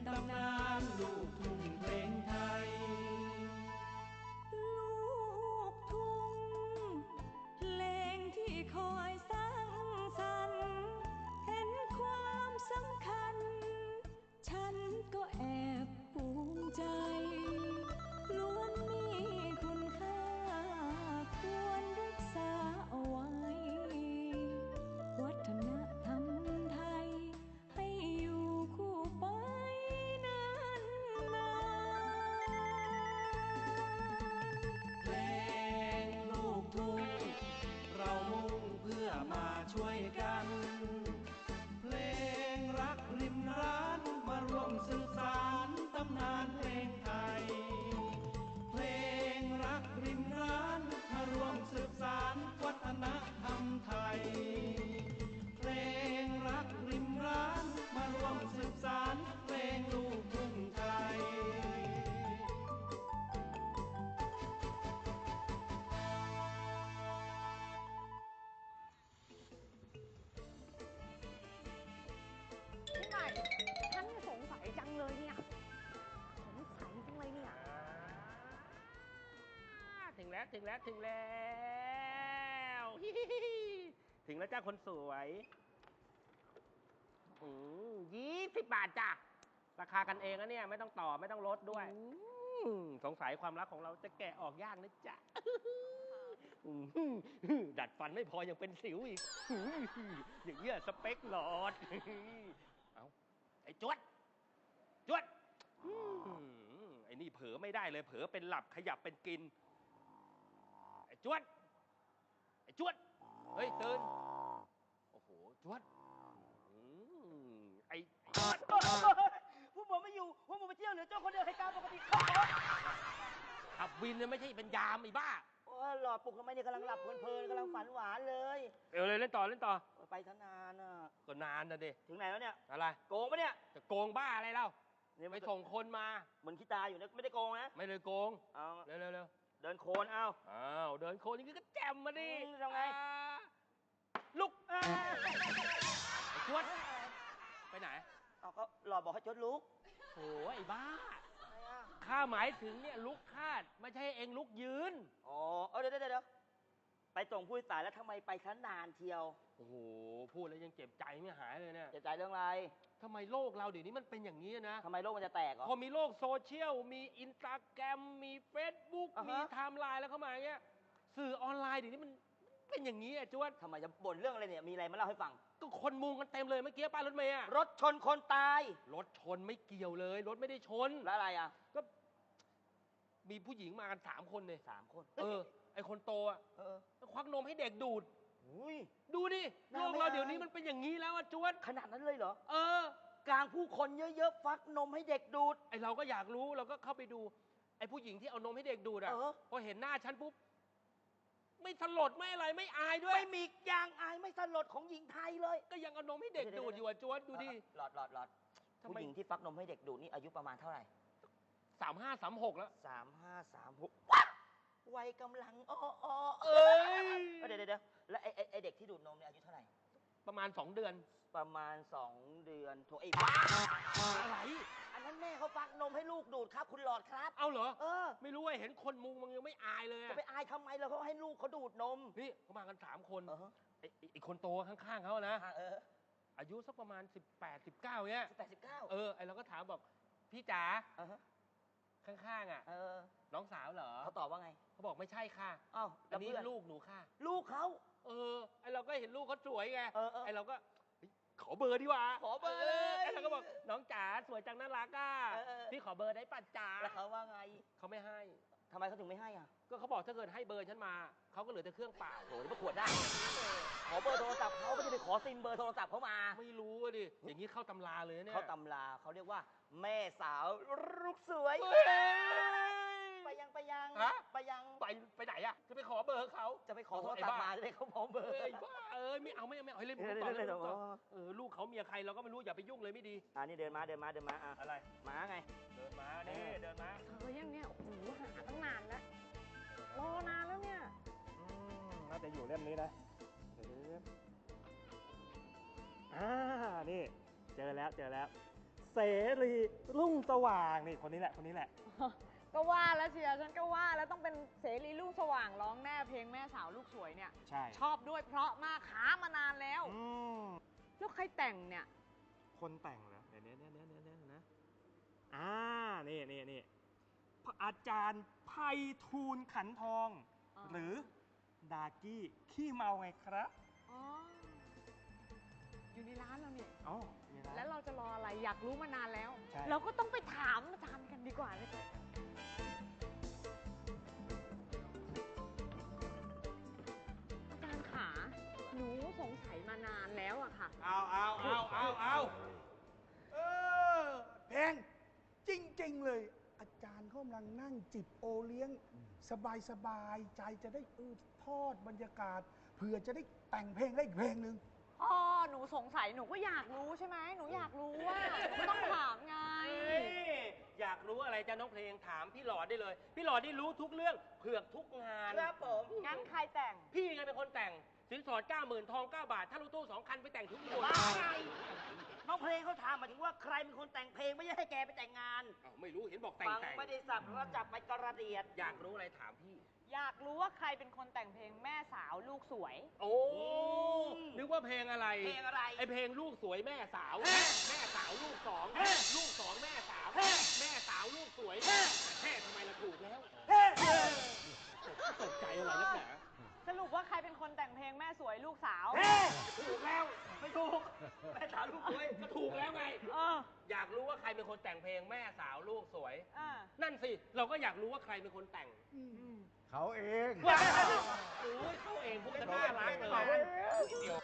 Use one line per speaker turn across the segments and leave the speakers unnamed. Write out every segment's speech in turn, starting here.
ตำนานลูกทุ่งเพลงไทย
ลูกทุ่งเพลงที่คอยสร้างสรรค์เห็นความสำคัญฉันก็แอบภูมิใจล้วนมีคุณค่าควรรักษาเอาไว้วัฒนธรรมไทยให้อยู่คู่ไปนานนาน
เพลงลูกทุ่งเรามุ่งเพื่อมาช่วยกันเพลงรักริมร้านมาร่วมสืบสานตำนานเพลงไทยเพลงรักริมร้านมาร่วมสืบสานวัฒนธรรมไทยเพลงรักริมร้านมาร่วมสืบสานเพลงลูกทุ่งไทย
พี่ใหม่ฉันสงสัยจังเลยเนี่ยสงสัยจังเลยเนี่ย
ถึงแล้วถึงแล้วถึงแล้วถึงแล้วจ้าคนสวย20 บาทจ้ะราคากันเองนะเนี่ยไม่ต้องต่อไม่ต้องลดด้วยสงสัยความรักของเราจะแกะออกยากนะจ๊ะดัดฟันไม่พอยังเป็นสิวอีกอย่างเงี้ยสเปคหลอดเอาไอ้จวดจวดไอ้นี่เผลอไม่ได้เลยเผลอเป็นหลับขยับเป็นกินไอ้จวดไอ้จวดเฮ้ยตื่นโอ้โหจวดไอ้จวดพวกผมไม่อยู่พวกผมไปเที่ยวเหลือเจ้าคนเดียวให้การปกติขับวินเนี่ยไม่ใช่เป็นยามไอ้บ้า
โอ้หลอดปลุกทำไมเนี่ยกำลังหลับเพลินๆกำลังฝันหวานเลย
เลยเล่นต่อเล่นต่อ
ไปทั้งนานอ่ะ
ก็นานนะดิ
ถึงไหนแล้วเนี่ย
อะไร
โกงปะเนี่ย
จะโกงบ้าอะไรเล่าไปส่งคนมา
เหมือนขี้ตาอยู่นะไม่ได้โกงนะ
ไม่เลยโกง
เอา
เร็วเร็ว
เดินโคนเอา
เดินโคนอย่างนี้ก็แจ่มมาดิ
ทำไง
ลุกไอ้จวดไปไหน
เอาก็หลอดบอกให้จดลุก
โอ้ไอ้บ้าข้าหมายถึงเนี่ยลุกคาดไม่ใช่เองลุกยืน
อ๋อเดี๋ยวไปส่งผู้โดยสารแล้วทำไมไปชั้นนานเที่ยว
โอ้โหพูดแล้วยังเจ็บใจไม่หายเลยเนี่ย
เจ็บใจเรื่องอะไร
ทำไมโลกเราเดี๋ยวนี้มันเป็นอย่างนี้นะ
ทำไมโลกมันจะแตกเหรอ
พอมีโลกโซเชียลมีอินสตาแกรมมีเฟซบุ๊กมีไทม์ไลน์แล้วเข้ามาเงี้ยสื่อออนไลน์เดี๋ยวนี้มันเป็นอย่างนี้จวด
ทำไมจะบ่นเรื่องอะไรเนี่ยมีอะไรมาเล่าให้ฟัง
ก็คนมุงกันเต็มเลยเมื่อกี้ป้ายรถเมย์
รถชนคนตาย
รถชนไม่เกี่ยวเลยรถไม่ได้ชน
แล้วอะไร
ก็มีผู้หญิงมากัน3 คนเลย
3 คน
ไอคนโตควักนมให้เด็กดูดดูดิโลกเราเดี๋ยวนี้มันเป็นอย่างนี้แล้วจวด
ขนาดนั้นเลยเหรอก
ล
างผู้คนเยอะๆฟักนมให้เด็กดูด
ไอเราก็อยากรู้เราก็เข้าไปดูไอผู้หญิงที่เอานมให้เด็กดูดพอเห็นหน้าฉันปุ๊บไม่สลดไม่อะไรไม่อายด้วย
ไม่มียางอายไม่สลดของหญิงไทยเลย
ก็ยังเอานมให้เด็กดูดอยู่จวดดูดิ
หลอดผู้หญิงที่ฟักนมให้เด็กดูดนี่อายุประมาณเท่าไหร่
35 36แล้ว
35 36วัยกำลังเดี๋ยวแล้วไอเด็กที่ดูดนมเนี่ยอายุเท่าไหร่
ประมาณ2 เดือน
ประมาณ2 เดือนโถไอ้บ้า
อะไร
อันนั้นแม่เขาฟักนมให้ลูกดูดครับคุณหลอดครับ
เอาเหรอไม่รู้ว่าเห็นคนมุงมันยังไม่อายเลย
จะไปอายทำไมเราเขาให้ลูกเขาดูดนม
นี่เขามากัน3 คนไอ้คนโตข้างๆเขานะอายุสักประมาณ18 19เนี่ย
18 19
ไอเราก็ถามบอกพี่จ๋าข้างๆน้องสาวเหรอ
เขาตอบว่าไง
เขาบอกไม่ใช่ค่ะอันนี้ลูกหนูค่ะ
ลูกเขา
ไอเราก็เห็นลูกเขาสวยไงไอเราก็ขอเบอร์ดีกว่า
ขอเบอร์เลย
ไอเราก็บอกน้องจ๋าสวยจังน่ารักพี่ขอเบอร์ได้ป่ะจ๋า
แล้วเขาว่าไง
เขาไม่ให้
ทำไมเขาถึงไม่ให้
ก็เขาบอกถ้าเกิดให้เบอร์ฉันมาเขาก็เหลือแต่เครื่องเปล่า
โหนี่มาขวดได้ขอเบอร์โทรศัพท์เขาไม่ได้ไปขอซิมเบอร์โทรศัพท์เขามา
ไม่รู้ดิอย่างนี้เข้าตำราเลยเนี่ย
เข้าตำราเขาเรียกว่าแม่สาวลูกสวยไปยังไป
ไหนจะไปขอเบอร์เขา
จะไปขอโทรศัพท์มาจะได้เขาพร้อมเบอร์
บ้าไม่เอาให้เล่นต่อลูกเขาเมียใครเราก็ไม่รู้อย่าไปยุ่งเลยไม่ดี
นี่เดินมา
อะไร
ม้าไง
เดินมานี่เดินมา
ยังเนี่ยโอ้โหหาตั้งนานแล้วรอนานแล้วเนี่ย
น่าจะอยู่เล่มนี้นะนี่เจอแล้ว
เสรีรุ่งสว่างนี่คนนี้แหละคนนี้แหละ
ก็ว่าแล้วเชียร์ฉันก็ว่าแล้วต้องเป็นเสรีลูกสว่างร้องแน่เพลงแม่สาวลูกสวยเนี่ย
ใช่
ชอบด้วยเพราะมากหามานานแล้ว
ม
แล้วใครแต่งเนี่ย
คนแต่งเหรอเดี๋ยวนะนี่พระอาจารย์ไพฑูรย์ขันทอง
อ๋อ
หรือดากี้ขี้เมาไงครับ
อ๋อ อยู่ในร้านเราเนี่ย
อ๋อมีร้าน
แล้วเราจะรออะไรอยากรู้มานานแล้ว
ใช่
เราก็ต้องไปถามอาจารย์กันดีกว่านะจ๊ะอาจารย์ขาหนูสงสัยมานานแล้วอะค่ะ
เอา
เพลงจริง ๆ เลย อาจารย์เขากำลังนั่งจิบโอเลี้ยง สบายๆใจจะได้ทอดบรรยากาศเผื่อจะได้แต่งเพลงได้อีกเพลงหนึ่ง
อ๋อ หนูสงสัยหนูก็อยากรู้ใช่ไหม หนูอยากรู้ว่าหนูต้องถามไง
อยากรู้อะไรจ้าน้องเพลงถามพี่หลอดได้เลย พี่หลอดได้รู้ทุกเรื่องเผือกทุกงาน
ครับผม
งั้นใครแต่ง
พี่ไงเป็นคนแต่งสินสอด 90,000 ทอง 9 บาท ถ้ารถตู้ 2 คันไปแต่งทุกคน
บ้าไงน้องเพลงเขาถามมาถึงว่าใครเป็นคนแต่งเพลงไม่ใช่ให้แกไปแต่งงาน
อ้าวไม่รู้เห็นบอกแต่ง
ฟัง
แต่ง
ไม่ได้สับแล้วจับไปกระเดียด
อยากรู้อะไรถามพี่
อยากรู้ว่าใครเป็นคนแต่งเพลงแม่สาวลูกสวย
โอ้นึกว่าเพลงอะไร
เพลงอะไร
ไอเพลงลูกสวยแม่สาว แม่สาวลูกสองลูกสองแม่สาวแม่สาวลูกสวยแม่ทำไมล่ะถูกแล้วตกใจอะไรนักหนา
สรุปว่าใครเป็นคนแต่งเพลงแม่สวยลูกสาว
ถูกแล้วไม่ถูกแม่สาวลูกสวยก็ถูกแล้วไง
เออ
อยากรู้ว่าใครเป็นคนแต่งเพลงแม่สาวลูกสวย
อ่า
นั่นสิเราก็อยากรู้ว่าใครเป็นคนแต่ง
เขาเอง
ว้าวโอ้ยเขาเองพวกจะน่ารักเลยเดี๋ยว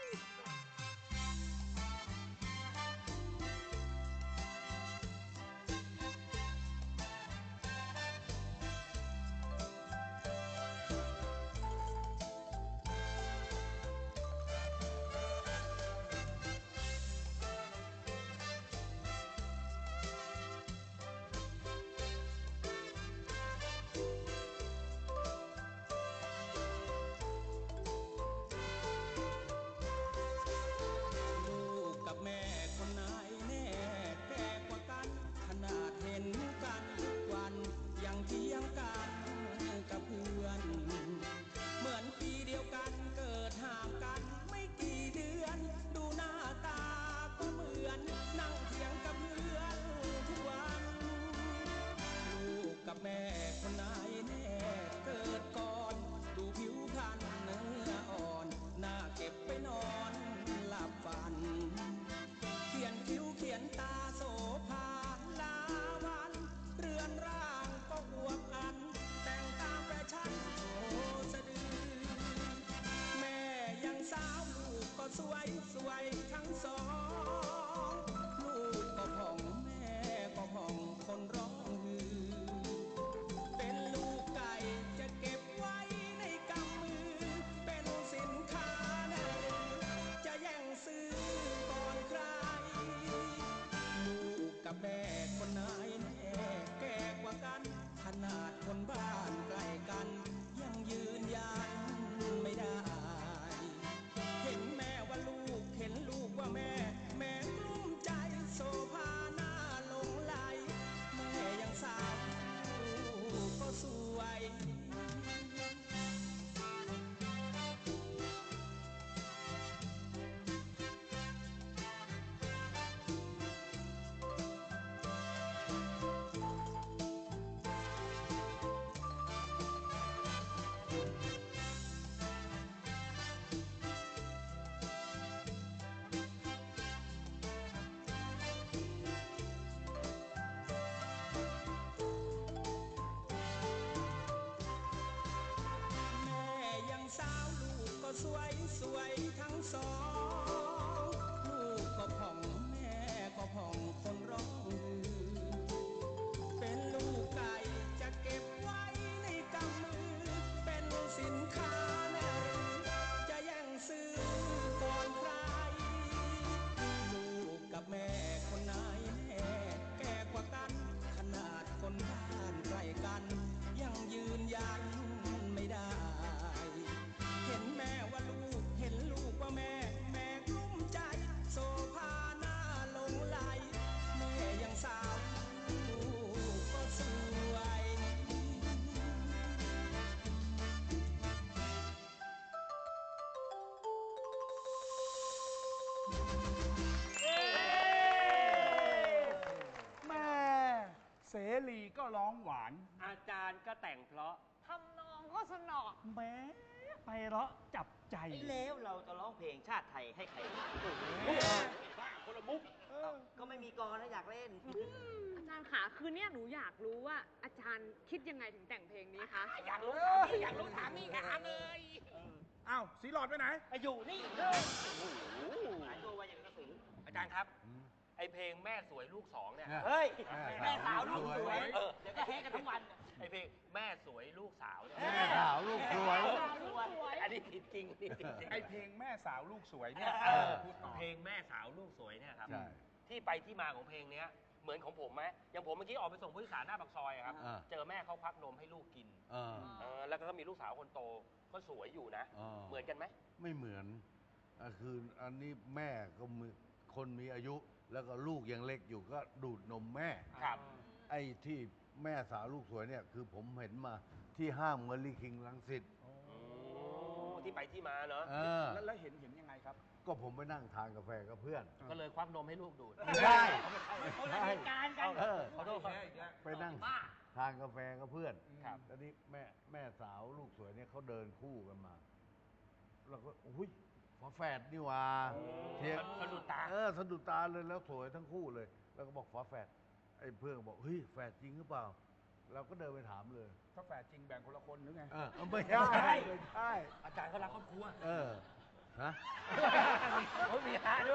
เสรีก็ร้องหวาน
อาจารย์ก็แต่งเพราะ
ทำนองก็สนอ
แม้ไพเราะจับใจ
แล้วเราจะร้องเพลงชาติไทยให้ใครฟัง
บ้าคนละมุก
ก็ไม่มีกรนะอยากเล่น
อาจารย์ขาคืนเนี้ยหนูอยากรู้ว่าอาจารย์คิดยังไงถึงแต่งเพลงนี้คะ
อยากรู้ถามนี่ถามเลย
อ้าวสีหลอดไปไหน
อยู่นี่
หายตัวไวอย่างกระสือ
อาจารย์ครับ ไอเพลงแม่สวยลูกสองเนี่ย
เฮ้ย แม่สาวลูกสวย
เออ
เดี๋ยวก็แฮกกันทั้งวัน
ไอเพลงแม่สวยลูกสาวเนี่ย
แม่สาวลูกสวย
อันนี้ผิดจริงนี่ผิดจริง
ไอเพลงแม่สาวลูกสวยเนี่ย
เออ
พูดต่อ
เพลงแม่สาวลูกสวยเนี่ยครับ
ใช่
ที่ไปที่มาของเพลงเนี้ยเหมือนของผมไหมอย่างผมเมื่อกี้ออกไปส่งผู้โดยสารหน้าปากซอยอะครับ
อ่า
เจอแม่เขาควักนมให้ลูกกิน
เออ
แล้วก็มีลูกสาวคนโตก็สวยอยู่นะ
อ่า
เหมือนกันไหม
ไม่เหมือนคืออันนี้แม่ก็มีคนมีอายุ แล้วก็ลูกยังเล็กอยู่ก็ดูดนมแม่
ครับ
ไอ้ที่แม่สาวลูกสวยเนี่ยคือผมเห็นมาที่ห้างเมอรี่คิงรังสิต
ที่ไปที่มาเนาะ
เออ
แล้วเห็นยังไงครับ
ก็ผมไปนั่งทานกาแฟกับเพื่อน
ก็เลยควักนมให้ลูกดูด
ไม่ใช่
คนละเหตุการณ์กัน
เออ
ขอโทษครับ
ไปนั่งทานกาแฟกับเพื่อน
ครับ
แล้วนี่แม่สาวลูกสวยเนี่ยเขาเดินคู่กันมาเราก็อุ้ยฝาแฝดนี่หว่าเทียง
สะดุดตา
สะดุดตาเลยแล้วสวยทั้งคู่เลย แล้วก็บอกฝาแฝดไอ้เพื่อนก็บอกเฮ้ยแฝดจริงหรือเปล่า เราก็เดินไปถามเลย
ถ้าแฝดจริงแบ่งคนละคนหรือไง
ไม่ใช่ไม่ใช่
อาจารย์เขารักครอบครัว
ฮะ
เขามีฮะด้วย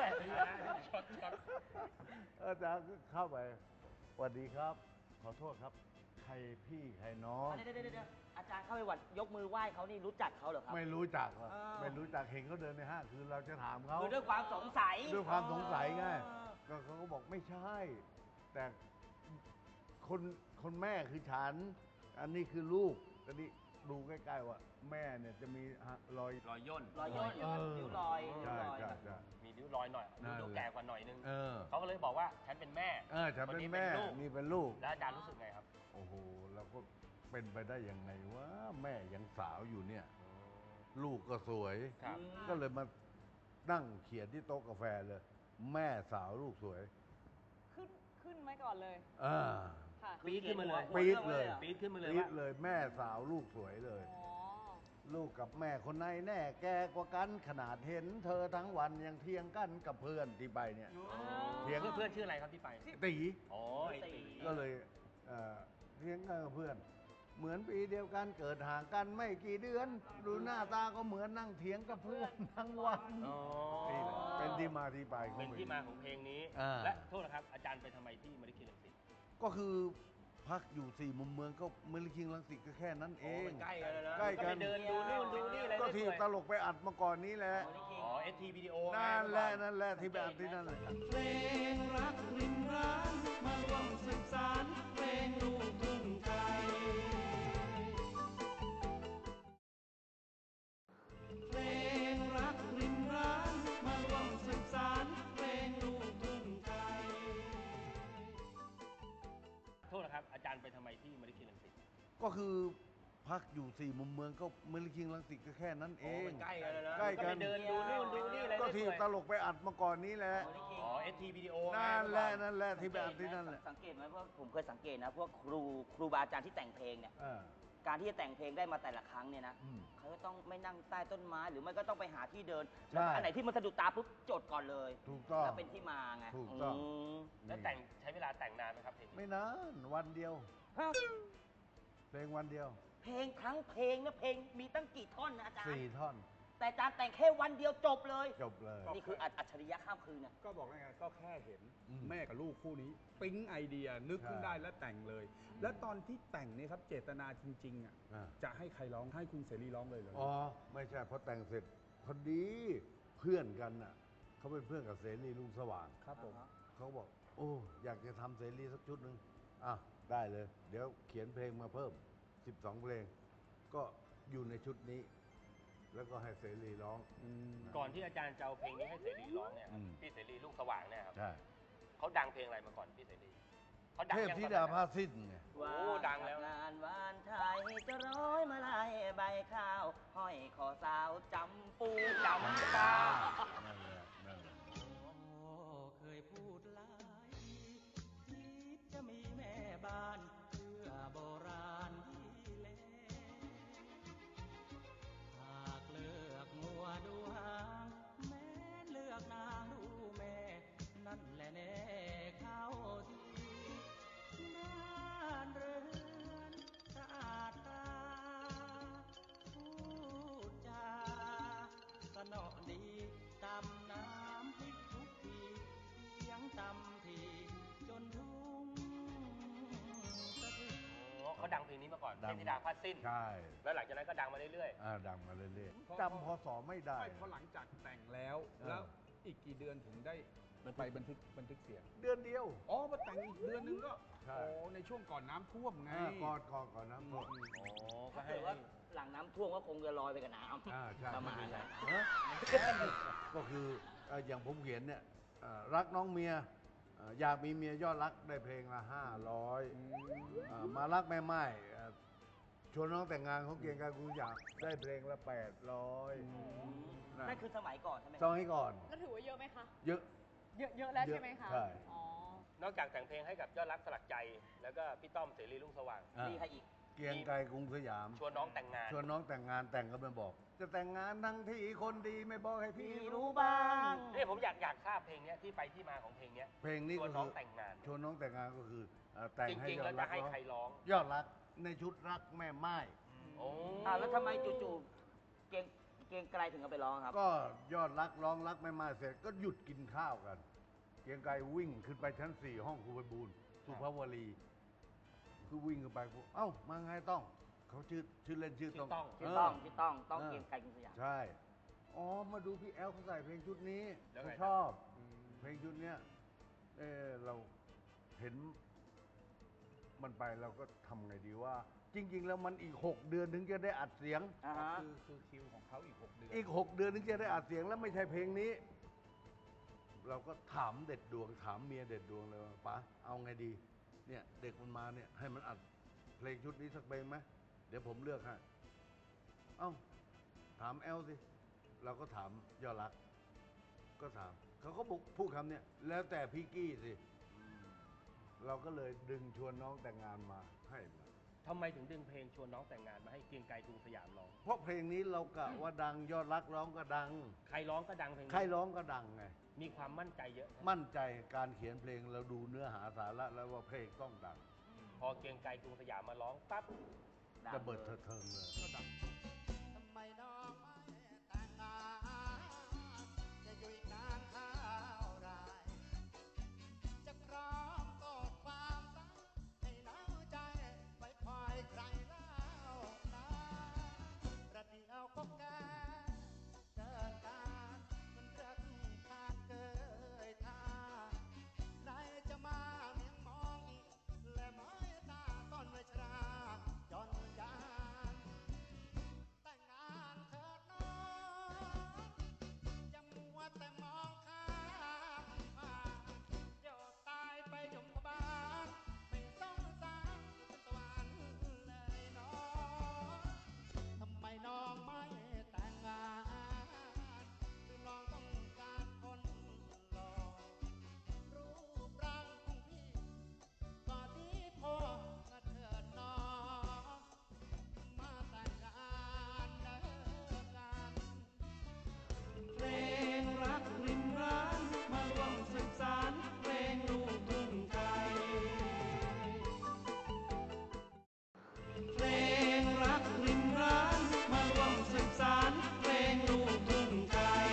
อาจารย์ก็เข้าไปสวัสดีครับ ขอโทษครับ ใครพี่ใครน้อง
เดี๋ยวอาจารย์เข้าไปวัดยกมือไหว้เขานี่รู้จักเขาเหรอครับ
ไม่รู้จักหรอก
อ้าว
ไม่รู้จักเห็นเขาเดินในห้างคือเราจะถามเขา
คือด้วยความสงสัย
ด้วยความสงสัยไงก็เขาก็บอกไม่ใช่ แต่คนแม่คือฉัน อันนี้คือลูกตอนนี้ดูใกล้ๆว่า แม่เนี่ยจะมีรอย
รอยย่น
รอยย่นนิ้วรอยนิ้ว
ใช่
รอย
ใช่ใช่
มีนิ้วรอยหน่อย
นั่นแหละ
ดูแก่กว่าหน่อยนึง
เออ
เขาก็เลยบอกว่าฉันเป็นแม่
ฉันเป็น
ค
แม่
ลูก
นี่เป็นลูก
แล้วอาจารย์รู้สึกไงครับ
โอ้โหเราก็เป็นไปได้ยังไงว่าแม่ยังสาวอยู่เนี่ย ลูกก็สวย
ครับ
ก็เลยมานั่งเขียนที่โต๊ะกาแฟเลย แม่สาวลูกสวย
ขึ้นไว้ก่อนเลย
อ่า
ค่ะ
ปี๊ดขึ้นมาเลย
ปี๊ดเลย
ปี๊ดขึ้นมาเลย
ปี๊ด
ว่า
เลยแม่สาวลูกสวยเลย
อ๋อ
ลูกกับแม่คนไหนแน่แกกว่ากันขนาดเห็น เธอทั้งวันยังเทียงกันกับเพื่อนที่ไปเนี่ย เถียง
เพื่อนชื่ออะไรครับที่ไป
ตี
อ๋อไอ้ตี
ก็เลยเทียงกันกับเพื่อน เหมือนปีเดียวกันเกิดห่างกันไม่กี่เดือน ดูหน้าตาก็เหมือนนั่งเถียงกับเพื่อนทั้งวัน
อ๋อ
นี่แหละเป็นที่มาที่ไปของ
เป็นที่มาของเพลงนี้
อ่า
และโทษนะครับ อาจารย์ไปทำไมที่มริคินรังสิต
ก็คือพักอยู่สี่มุมเมืองก็เมลิคิงรังสิตก็แค่นั้นเอง
ใกล้กันแล้วนะ
ใกล้กัน
ไปเดินดูนู่นดูนี่อะไร
ก็ที่
เรื่อยๆ
ตลกไปอัดมาก่อนนี้แหละ
อ๋อเอทีวิดีโอ
นั่นแหละนั่นแหละที่ไปอัดที่นั่นแหละ
เพลงรักริมร้านมาร่วมสืบสานเพลงลูกทุ่งไทยเพลงรักริมร้านมาร่วมสืบสานเพลงลูกทุ่งไทย
โทษนะครับ อาจารย์ไปทำไมที่มริคินรังสิต
ก็คือพักอยู่สี่มุมเมืองก็เมลิคิงรังสิตก็แค่นั้นเอง
ใกล้กันแล้วนะ
ใกล้กัน
ไปเดินดูนู่นดูนี่อะไร
ก็ที่
เรื่อยๆ
ตลกไปอัดมาก่อนนี้แหละ
อ๋อเอทีวิดีโอ
นั่นแหละนั่นแหละที่ไปอัดที่นั่นแหละ
สังเกตไหมเพราะผมเคยสังเกตนะพวกครูบาอาจารย์ที่แต่งเพลงเนี่ย
อ่า
การที่จะแต่งเพลงได้มาแต่ละครั้งเนี่ยนะ
อืม
เขาจะต้องไม่นั่งใต้ต้นไม้หรือไม่ก็ต้องไปหาที่เดิน
ใช่
แล้วอันไหนที่มันสะดุดตาปุ๊บจดก่อนเลย
ถูกต้อง
แล้วเป็นที่มาไง
ถูกต้อง
ม
แล้วแต่งใช้เวลาแต่งนานไหมครับเพลงนี้
ไม่นานวันเดียว เพลงวันเดียว
เพลงทั้งเพลงนะเพลงมีตั้งกี่ท่อนนะอาจารย์
4 ท่อน
แต่อาจารย์แต่งแค่วันเดียวจบเลย
จบเลย
นี่คืออัจฉริยะข้ามคืนนะ
ก็บอกแล้วไงก็แค่เห็น
อืม
แม่กับลูกคู่นี้ ปิ๊งไอเดียนึกขึ้น
ใช่
ได้แล้วแต่งเลย แล้วตอนที่แต่งเนี่ยครับเจตนาจริงๆอ่ะ
อ่า
จะให้ใครร้องให้คุณเสรีร้องเลยเหรอ
อ๋อ ไม่ใช่พอแต่งเสร็จ พอดีเพื่อนกันน่ะเขาเป็นเพื่อนกับเสรีลุงสว่าง
ครับผม
เขาบอก โอ้อยากจะทำเสรีสักชุดหนึ่งอ่ะได้เลย เดี๋ยวเขียนเพลงมาเพิ่ม 12 เพลง ก็อยู่ในชุดนี้ แล้วก็ให้เสรีร้อง
ก่อนที่อาจารย์จะเอาเพลงนี้ให้เสรีร้องเนี่ยครับ
อืม
พี่เสรีลูกสว่างเนี่ยครับ
ใช่
เขาดังเพลงอะไรมาก่อนพี่เสรีเขาดัง
เทพ
ยัง
ธิ
ตอน
ดา
นั้น
พาสิ้นไง
โอ้ดังแล้ว
งานวานไทยจะร้อยมาลายใบข้าว ห้อยคอสาวจำปูจำปา
นั่นแหละนั่นแหละ
เคยพูดหลายทีคิดจะมีแม่บ้าน
มาก่อน
ดั
เท
ง
พธิดาพัดสิ้น
ใช่
แล้วหลังจากนั้นก็ดังมาเรื่อย
ดังมาเรื่อยๆจำพศไม่ได้
ไม่พอหลังจากแต่งแล้ว
เออ
แล้วอีกกี่เดือนถึงได้ไปบันทึกเสียง
เดือนเดียว
อ๋อมาแต่งอีกเดือนนึงก็
ใช่
อ๋อในช่วงก่อนน้ำท่วมไง
ก่อนน้ำท่วม
ๆ อ๋อ ก็
ถ้า
ให้
เกิดว่าหลังน้ำท่วมก็คงจะลอยไปกับน้
ใช่
ำประมาณนั้น
ฮะก็คืออย่างผมเขียนเนี่ยรักน้องเมียอยากมีเมียยอดรักได้เพลงละ500มารักแม่ไม้ชวนน้องแต่งงานเขาเกียงการกูอยากได้เพลงละ800
นั่นคือสมัยก่อนใช่ไหม
ซองให้ก่อน
แล้วถือว่าเยอะไหมคะ
เยอะ
เยอะแล้วใช่ไหมคะ
ใช่
อ๋อ
นอกจากแต่งเพลงให้กับยอดรักสลักใจ แล้วก็พี่ต้อมเสรีรุ่งสว่าง
มีใครอีก
เกียงไกรกรุงสยาม
ชวนน้องแต่งงาน
ชวนน้องแต่งงานแต่งก็ไม่บอก จะแต่งงานทั้งที่คนดีไม่บอกให้พี่
พี่
รู้
รู้บ้าง
นี่ผมอยากทราบเพลงเนี้ยที่ไปที่มาของเพลงเนี้ย
เพลงนี้
ชว
ก็
น
คื
น้องแต่งงาน
ชวนน้องแต่งงานก็คือแต่ง
จ
ให้
ริง
ย
ๆ
อ
แล้ว
ด
จะ
รัก
ให้ใครร้อง
ยอดรักในชุดรักแม่ไม้
โอ้
แล้วทำไมจู่ๆเกรียงไกรถึงเอาไปร้องครับ
ก็ยอดรักร้องรักแม่ไม้เสร็จก็หยุดกินข้าวกัน เกียงไกรวิ่งขึ้นไปชั้น 4 ห้องครูไพบูลย์สุภาวรีคือวิ่งขึ้นไปปุ๊บเอ้ามาไงต้อง เขาชื่อเล่นชื่อต้อง
ชื่อต้องเกรียงไกรกรุงสยาม
ใช่ อ๋อ มาดูพี่แอลเขาใส่เพลงชุดนี้
แล้ว
เขา
ไง
ชอบ เพลงชุดเนี้ยเราเห็นมันไปเราก็ทำไงดีว่า จริง ๆ แล้วมันอีก 6 เดือนถึงจะได้อัดเสียง
อ่าฮะ
คือคิวของเขาอีก 6 เดือน
อีก 6 เดือนถึงจะได้อัดเสียงแล้วไม่ใช่เพลงนี้ เราก็ถามเด็ดดวง ถามเมียเด็ดดวงเลยว่าป๋าเอาไงดี เนี่ยเด็กมันมาเนี่ยให้มันอัดเพลงชุดนี้สักเพลงไหมเดี๋ยวผมเลือกให้ เอ้า ถามแอลสิ เราก็ถามยอดรัก ก็ถาม เขาก็บอกพูดคำเนี้ยแล้วแต่พี่กี้สิ เราก็เลยดึงชวนน้องแต่งงานมาให้มา
ทำไมถึงดึงเพลงชวนน้องแต่งงานมาให้เกรียงไกรกรุงสยามร้อง
เพราะเพลงนี้เรากะว่าดังยอดรักร้องก็ดัง
ใครร้องก็ดังเพลงนี้
ใครร้องก็ดังไง
มีความมั่นใจเยอะ
มั่นใจการเขียนเพลงเราดูเนื้อหาสาระแล้วว่าเพลงต้องดัง
พอเกรียงไกรกรุงสยามมาร้องปั๊บ
จะเบิดเถิงเลย
ทำไมน้องไม่แต่งงานจะอยู่อีกนานเท่าไรจะพร้อมต่อความรักให้หนาวใจไปคอยใครเล่านะประเดี๋ยวก็แก่เกินการมันรักขาดเกยท่าใครจะมาเมียงมองอีกและไม้ตาต้นไม้ชราจนยาน แต่งงานเถิดน้องอย่ามัวแต่มองข้ามผ่านเดี๋ยวตายไปยมบาลไม่สงสารเป็นตะวันเลยน้องทำไมน้องไม่แต่งงานหรือน้องต้องการคนหล่อรูปร่างของพี่ก็ดีพอนะเถิดน้อง มาแต่งงานเดินกัน
เพลงรักริมร้านมาร่วมสืบสานเพลงลูกทุ่งไทยเพลงรักริมร้านมาร่วมสืบสานเพลงลูกทุ่งไทย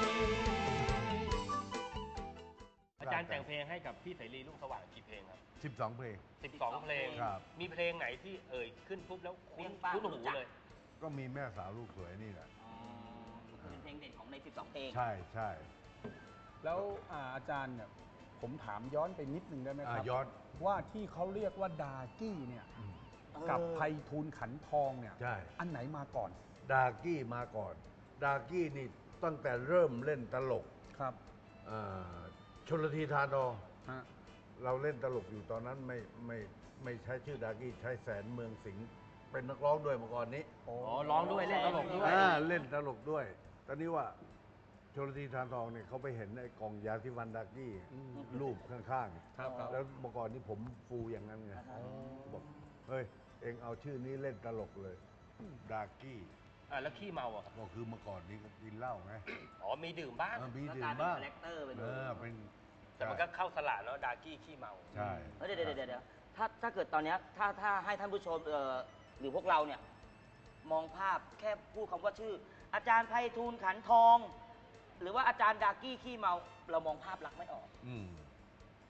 อาจารย์แต่งเพลงให้กับพี่เสรีรุ่งสว่างกี่เพลงครับ
12 เพลง
12 เพลง
ครับ
มีเพลงไหนที่เอ่ยขึ้นปุ๊บแล้ว
เปรี้
คุ้น
ยงป้าง
หู
รู้จัก
เลย
ก็มีแม่สาวลูกสวยนี่แหละ
เป็นเพลงเด่นของใน 12 เพลง
ใช่ใช่
แล้วอาจารย์เนี่ยผมถามย้อนไปนิดนึงได้ไหมครับ
ย้อน
ว่าที่เขาเรียกว่าดากี้เนี่ยกับไพฑูรย์ขันทองเนี่ย
ใช่
อันไหนมาก่อน
ดากี้มาก่อน ดากี้นี่ตั้งแต่เริ่มเล่นตลก
ครับ
ชลธีทานทอง
ฮะ
เราเล่นตลกอยู่ตอนนั้นไม่ใช้ชื่อดากี้ใช้แสนเมืองสิงห์เป็นนักร้องด้วยเมื่อก่อนนี้
อ๋อ ร้องด้วยเล่นตลกด้วย
เล่นตลกด้วย ตอนนี้ว่าชลธีทานทองเนี่ยเขาไปเห็นไอ้กล่องยาที่วันดากี้รูปข้าง
ครับครับ
ๆ แล้วเมื่อก่อนนี้ผมฟูอย่างนั้นไงบอกเฮ้ย เองเอาชื่อนี้เล่นตลกเลยดากี้
แล้วขี้เมาอ่ะครับ
ก็คือเมื่อก่อนนี้ก็กินเหล้าไง
อ๋อ มีดื่มบ้าง
มี
ก็
ดื่
กลาม ยเป็น
บ้าง
คาแรคเตอร์ไปเลย
เป็น
แต่มันก็เข้าสละแล้วดากี้ขี้เมา
ใช่
เดี๋ยวถ้าเกิดตอนเนี้ยถ้าให้ท่านผู้ชมหรือพวกเราเนี่ย มองภาพแค่พูดคำว่าชื่อ อาจารย์ไพฑูรย์ขันทอง หรือว่าอาจารย์ดากี้ขี้เมา เรามองภาพลักษณ์ไม่ออก
อืม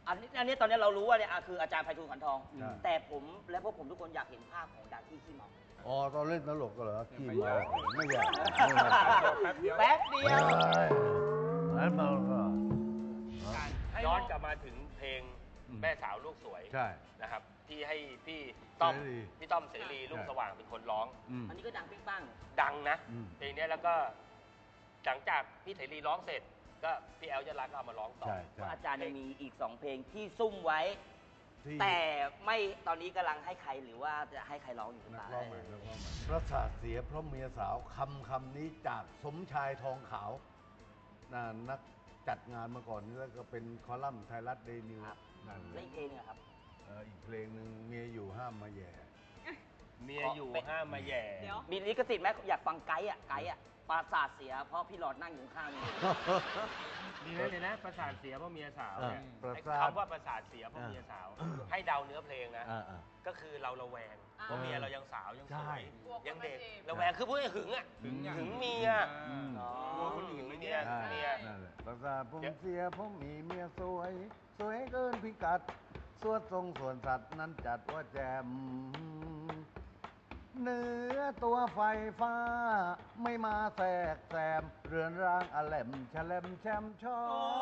อันนี้ตอนนี้เรารู้ว่าเนี่ยคืออาจารย์ไพฑูรย์ขันทอง
ใช่
แต่ผมและพวกผมทุกคนอยากเห็นภาพของดาที่ขี้เมา
อ๋อตอนเล่นตลกก็เหรอขี้เมาไม่อยาก
แป๊บเดียว
นั้นเมาก็
ย้อนกลับมาถึงเพลงแม่สาวลูกสวย
ใช่
นะครับ ที่ให้พี่ต้อม
เสรี
พี่ต้อมเสรีลูกสว่างเป็นคนร้อง
อันนี้ก็ดังปิ๊งปัง
ดังนะ
อืม
เพลงเนี้ยแล้วก็หลังจากพี่เสรีร้องเสร็จ ก็พี่แอลยะรักก็เอามาร้องต่อ
ใช่
ว่า
ใช่
อาจารย์ยังมีอีก 2 เพลงที่ซุ่มไว้
ที่
แต่ไม่ตอนนี้กำลังให้ใครหรือว่าจะให้ใครร้องอยู่หรือ
นั
เป
ก
ล่า
ร้องใหม่นักร้องใหม่ประสาทเสียเพราะเมียสาวคำนี้จากสมชายทองขาวนักจัดงานมาก่อนนี่แล้วก็เป็นคอลัมน์ไทยรัฐเดย์นิว
ครับ
นั่นแห
และ
ละ
อีกเพลงหนึงอะครับ
อีกเพลงหนึ่งเมียอยู่ห้ามมาแย่
เมียอยู่ห้ามมาแย่
เดี๋ยว
มีลิขสิทธิ์ไหมอยากฟังไกด์อะปราสาทเสียเพราะพี่หลอดนั่งอยู่ข้างนี่
ดีไหมเลยนะประสาทเสียเพราะเมียสาวเนี่ย
ประ
ไอ้
สาท
คำว่าประสาทเสียเพราะเมียสาว ให้เดาเนื้อเพลงนะ
อ่า
ก็คือเราระแวงเพราะเมียเรายังสาวยังส
ใช่
วย
กลัวคน
ยังเด็ก
มาจีบ
ระแวงคือพูดให้หึงอ่ะหึงเมีย กลัวคนอื่นไม่เนี่ย
ใช่
เมีย
นั่นแหละประสาทผมเสียผมมีเมียสวย สวยเกินพิกัด สวดทรงส่วนสัตว์นั้นจัดว่าแจมเนื้อตัวไฟฟ้า ไม่มาแทรกแซม เรือนร่างอแหลมแฉลมแชมชอ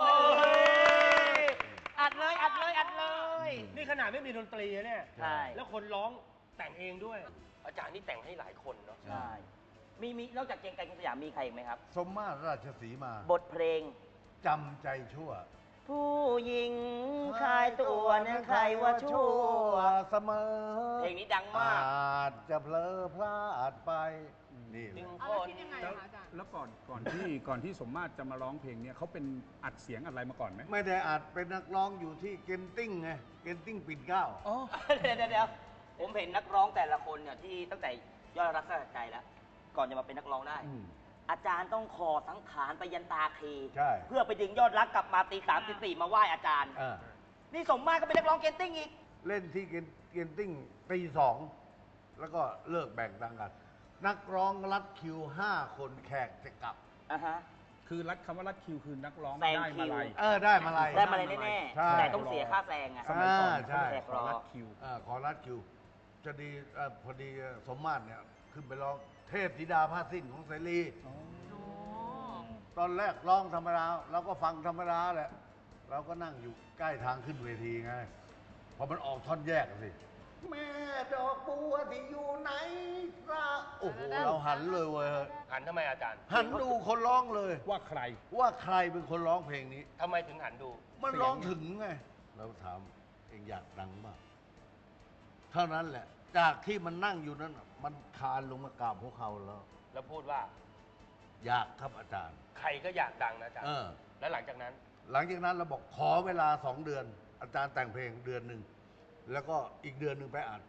อัดเลยอัดเลยอัดเลย
นี่ขนาดไม่มีดนตรีนะเนี่ย
ใช่
แล้วคนร้องแต่งเองด้วย อาจารย์นี่แต่งให้หลายคนเนาะ
ใช่มีนอกจากเกรียงไกรคุณสยามมีใครอีกไหมครับ
สมมาตรราชสีมา
บทเพลง
จำใจชั่ว
ผู้หญิงชายตัวนั้นใครว่าชั่ว
เสมอ
เพลงนี้ดังมาก
อาจจะเพลอพลาดไป นี่
หนึ่ง
เอา
ค
แล้ว
น
คิดยังไง
แล้ว
อะคะอาจารย์
แล้วก่อนที่สมมาตรจะมาร้องเพลงเนี้ยเขาเป็นอัดเสียงอะไรมาก่อนไหม
ไม่ได้อาจเป็นนักร้องอยู่ที่เกนติ้งไง เกนติ้งปิ่นเกล้า
อ๋อ
เดี๋ยวผมเห็นนักร้องแต่ละคนเนี่ยที่ตั้งแต่ยอดรักสลักใจแล้ว ก่อนจะมาเป็นนักร้องได้ อาจารย์ต้องคอสังขารไปยันตาคี
ใช่
เพื่อไปดึงยอดรักกลับมาตีสามตีสี่มาไหว้อาจารย์
อ่า
นี่สมมาตรก็เป็นนักร้องเกนติ้งอีก
เล่นที่เกนติ้งตีสอง แล้วก็เลิกแบ่งตังค์กัน นักร้องรัดคิว 5 คนแขกจะกลับ
อ่ะฮะ
คือคำว่ารัดคิวคือนักร้อง
แซง
ได้
คิ
มาว ลัย
ได้มาลัย
ได้มาเลยแน่
ใช่
ๆ แต่ต้องเสียค่าแซงไง
สมัยก่อน
ใช่
เขาขอรัดคิว
ขอรัดคิว จะดีพอดีสมมาตรเนี่ย ขึ้นไปร้องเทพธิดาผ้าสิ้นของเสรี ตอนแรกร้องธรรมดาเราก็ฟังธรรมดาแหละ เราก็นั่งอยู่ใกล้ทางขึ้นเวทีไง พอมันออกท่อนแยกสิ แม่ดอกบัวที่อยู่ไหนล่ะโอ้โห เราหันเลยเว้ย
หันทำไมอาจารย์
หันดูคนร้องเลย
ว่าใคร
ว่าใครเป็นคนร้องเพลงนี้
ทำไมถึงหันดู
มันร้องถึงไง เราถามเองอยากดังมาก เท่านั้นแหละ จากที่มันนั่งอยู่นั้นน่ะมันคลานลงมากราบหัวเขาแล้ว
แล้วพูดว่า
อยากครับอาจารย์
ใครก็อยากดังนะอาจารย์
เออ
แล้วหลังจากนั้น
หลังจากนั้นเราบอกขอเวลา 2 เดือน อาจารย์แต่งเพลงเดือนหนึ่ง แล้วก็อีกเดือนหนึ่งไปอัด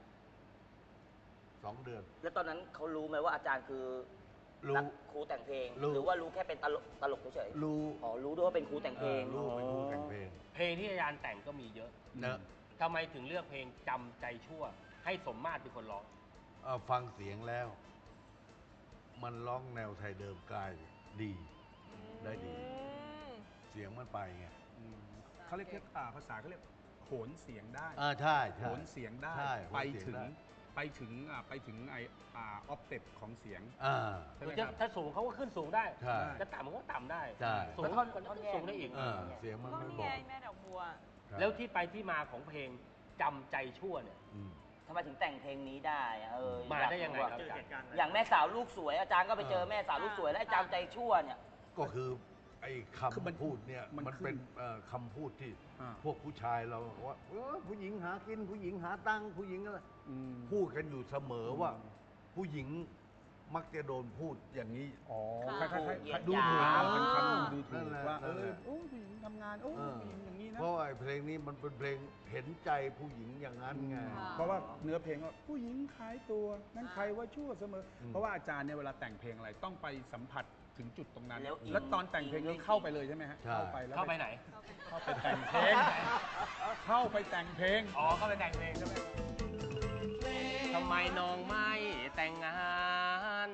2 เดือน
แล้วตอนนั้นเขารู้ไหมว่าอาจารย์คือ
รู้
นักครูแต่งเพลง
รู้
หรือว่ารู้แค่เป็นตลกเฉย
รู้
ๆอ๋อรู้ด้วยว่าเป็นครูแต่งเพลง
รู้เป็นครูแต่งเพลง
เพลงที่อาจารย์แต่งก็มีเยอะ
เนอะ
ทำไมถึงเลือกเพลงจำใจชั่ว ให้สมมาตรเป็นคนร้อง
ฟังเสียงแล้ว มันร้องแนวไทยเดิมกลายดี ได้ดี เสียงมันไปไง
เขาเรียกภาษาเขาเรียกโหนเสียงได้
ใช่
โห
ใช่
นเสียงได้
ใช่
ไป
โหนเสียง
ถึง
ได้
ไปถึงไอออฟเต็ปของเสียง
อ่า
ใช่ไหมครับ
ถ้าสูงเขาก็ขึ้นสูงได้
ใช่
จะต่ำมันก็ต่ำได้
ใช่
สูง
แล้วท่อนแยก
สูงได้อีก
เสียงมัน
ก็
ไม่
นี่
บอ
ไง
ก
แม่ดอกบัว
ใช่
แล้วที่ไปที่มาของเพลงจำใจชั่วเนี่ย
อืม
ทำไมถึงแต่งเพลงนี้ได้อะ
มา
อาก
ได้ยังไง
ว่า
ครับอาจารย์
อย่างแม่สาวลูกสวยอาจารย์ก็ไปเจอแม่สาวลูกสวยแล้วอาจารย์ใจชั่วเนี่ย
ก็คือไอ้
คือมัน
คำพูดเนี่ย
มัน
มัน
ขึ้น
เป็นคำพูดที่
อ่า
พวกผู้ชายเราว่าผู้หญิงหากิน ผู้หญิงหาตังค์ผู้หญิงอะไร
อืม
พูดกันอยู่เสมอว่า ผู้หญิงมักจะโดนพูดอย่างนี้
อ๋อ
ค่ะ
คล้ายๆ
ดู
ดู
ถู
ถู
ก
กเป็นคำดูถู
นั่
ก
นแหละ
ว่า
นั่นแหละ
โอ้ผู้หญิงทำงานโอ้
เออ
ผู้หญิงอย่างนี้นะ
เพราะว่าไอ้เพลงนี้มันเป็นเพลงเห็นใจผู้หญิงอย่างนั้นไง
ค่ะ
เพราะว่าเนื้อเพลงว่าผู้หญิงขายตัวนั่นใครว่าชั่วเสมออ
ม
เพราะว่าอาจารย์เนี่ยเวลาแต่งเพลงอะไรต้องไปสัมผัสถึงจุดตรงนั้น
แล้วอิน
แล้วตอนแต่งเพลงนี้เข้าไปเลยใช่ไหมฮะ
ใช่
เข้าไปแล้ว
เข้าไปไหน
เข้าไปแต่งเพลงเข้าไปแต่งเพลง
อ๋อ เข้าไปแต่งเพลงใช่ไหมทำไมน้องไม่แต่งงาน
มัน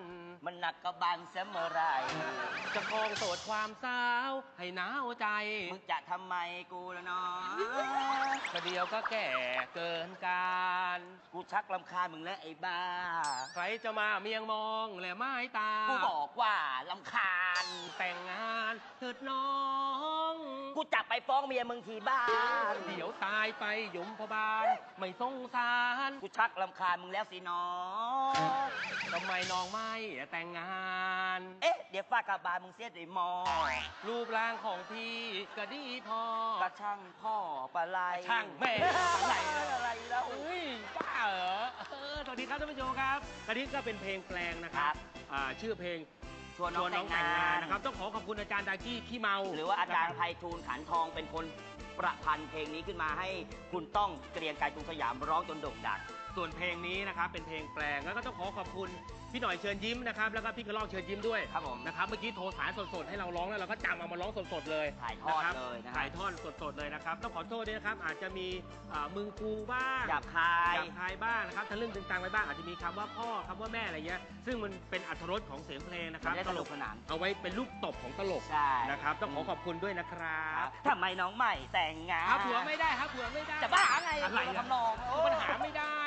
มันหนักกระบาลเสมอไร
จะครองโสดความสาว ให้หนาวใจ
มึงจะทำไมกูละเนาะ
ประเดี๋ยวก็แก่เกินการ
กูชักลำคาญมึงแล้วไอ้บ้า
ใครจะมาเมียงมองและไม้ตา
กูบอกว่าลำคาญ
แต่งงานเถิดน้อง
กูจะไปฟ้องเมียมึงที่บ้าน
เดี๋ยวตายไปยมพบาลไม่สงสาร
กูชักลำคาญมึงแล้วสิน้อง
ทำไมน้องไม่แต่งงาน
เอ๊ะ เดี๋ยวฝากกระบาลมึงเสียด้วยมอ
รูปร่างของพี่ก็ดีพอ
กระช่างพ่อปลาไหล
ช่างแม่อะไร
อะไรแล้ว
เฮ้ยบ้าเหรอสวัสดีครับท่านผู้ชมครับอันนี้ก็เป็นเพลงแปลงนะครับชื่อเพลง
ชวนน้องแต่งงาน
นะครับต้องขอบคุณอาจารย์ดากี้ขี้เมา
หรือว่าอาจารย์ไพฑูรย์ขันทองเป็นคนประพันธ์เพลงนี้ขึ้นมาให้คุณต้องเกรียงไกรกรุงสยามร้องจนโด่งดัง
ส่วนเพลงนี้นะครับเป็นเพลงแปลงแล้วก็ต้องขอบคุณพี่หน่อยเชิญยิ้มนะครับแล้วก็พี่กระรอกเชิญยิ้มด้วย
ครับผม
นะครับเมื่อกี้โทรสายสดๆให้เราร้องแล้วเราก็จำเอามาร้องสดๆเลย
ถ่ายทอดเลยนะฮะ
ถ่ายทอดสดๆเลยนะครับต้องขอโทษด้วยนะครับอาจจะมีมึงกูบ้าง
หยาบคาย
หยาบคายบ้างนะครับทะลึ่งตึงตังไปบ้างอาจจะมีคำว่าพ่อคำว่าแม่อะไรเงี้ยซึ่งมันเป็นอรรถรสของเสียงเพลงนะครับ
มันได้สนุกสนาน
เอาไว้เป็นลูกตบของตลก
ใช่
นะครับต้องขอบคุณด้วยนะครับ
ทำไมน้องใหม่แต่งงาน
หาผัวไม่ได้หาผัวไม่ได้
จะบ้าไง
อะไร
ทำนอง
มันหาไม่ได้